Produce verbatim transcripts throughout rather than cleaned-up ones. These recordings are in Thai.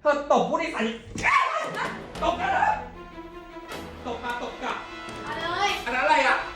ธอตบผู้โดยสารตบกันนะตบมาตบกลับมาเลยอันนั้นอะไรอ่ะ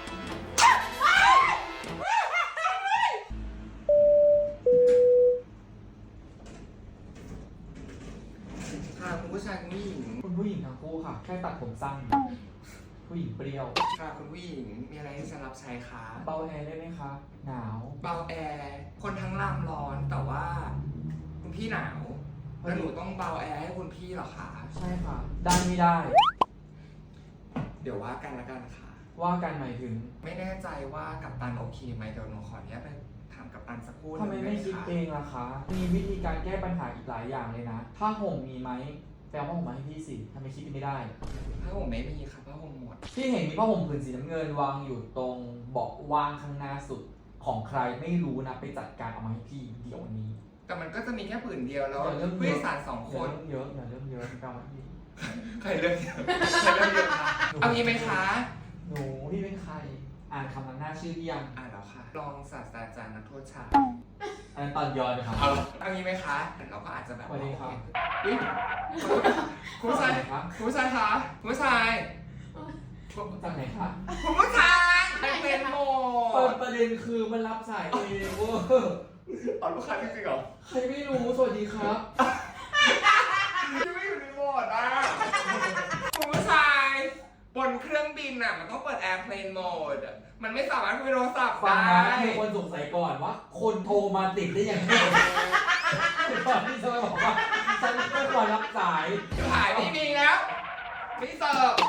ค่ะคุณผู้ชายคุณผู้หญิงคุณผู้หญิงทั้งคู่ค่ะ แค่ตัดผมสั้นผู้หญิงเปรี้ยวค่ะคุณผู้หญิงมีอะไรที่จะรับใช้คะเบาแอร์ได้ไหมคะหนาวเบาแอร์คนทั้งลำร้อนแต่ว่าคุณพี่หนาวแล้วหนูต้องเบาแอร์ให้คุณพี่เหรอคะใช่ค่ะ ได้ไม่ได้เดี๋ยวว่ากันละกันค่ะว่ากันหมายถึงไม่แน่ใจว่ากัปตันโอเคไหมเดี๋ยวหนูขออนุญาตไปถามกัปตันสักครู่หทำไมนึ่งไม่ด้คิดหะเองล่ะคะ มีวิธีการแก้ปัญหาอีกหลายอย่างเลยนะ ถ้าห่มมีไหมแปลว่าห่มมาให้พี่สิทำไมคิดไม่ได้ผ้าห่มไม่มีค่ะผ้าห่มหมดพี่เห็นมีผ้าห่มผืนสีน้ำเงินวางอยู่ตรงเบาะว่างข้างหน้าสุดของใครไม่รู้นะไปจัดการเอามาให้พี่เดี๋ยวนี้แต่มันก็จะมีแค่ผืนเดียวแล้วอย่าเริ่มผู้โดยสารสองคอย่าน เริ่มเยอะอย่าเริ่มเยอะกรรมพี่ใครเลือกเยอะใครเลือกเยอะคะเอางี้ไหมคะหนูพี่เป็นใคร อ่านคำนำหน้าชื่อพี่ยังอ่านแล้วค่ะรองศาสตราจารย์นักโทษชายอันนั้นตอนย้อนนะครับเอาเอางี้ไหมคะเราก็อาจจะแบบสวัสดีครับอุ๊ยคุณผู้ชายครับคุณผู้ชายคะคุณผู้ชายจากไหนคะคุณผู้ชายเป็นโหมเปิดดประเด็นคือมันรับสายเองเว้ยเอาลูกค้าจริงๆเหรอใครไม่รู้สวัสดีครับยังไม่อยู่ในโหมดอ่ะคุณผู้ชายบนเครื่องบินอ่ะมันต้องเปิด airplane mode อะมันไม่สามารถคุยโทรศัพท์ฟังได้นะมีคนสงสัยก่อนว่า คนโทรมาติดได้ยังไงก่อนที่จะมาบอกว่าฉันไม่ควรรับสายถ่ายไม่มีแล้วไม่เสิร์ฟ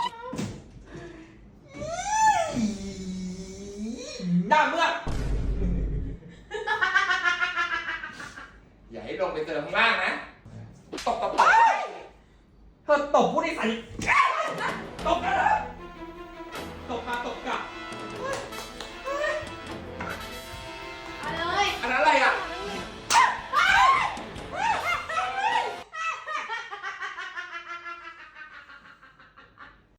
หน้าเมื่ออย่าให้ลงไปเจอข้างล่างนะตบตบตบเธอตบผู้โดยสารตบกัน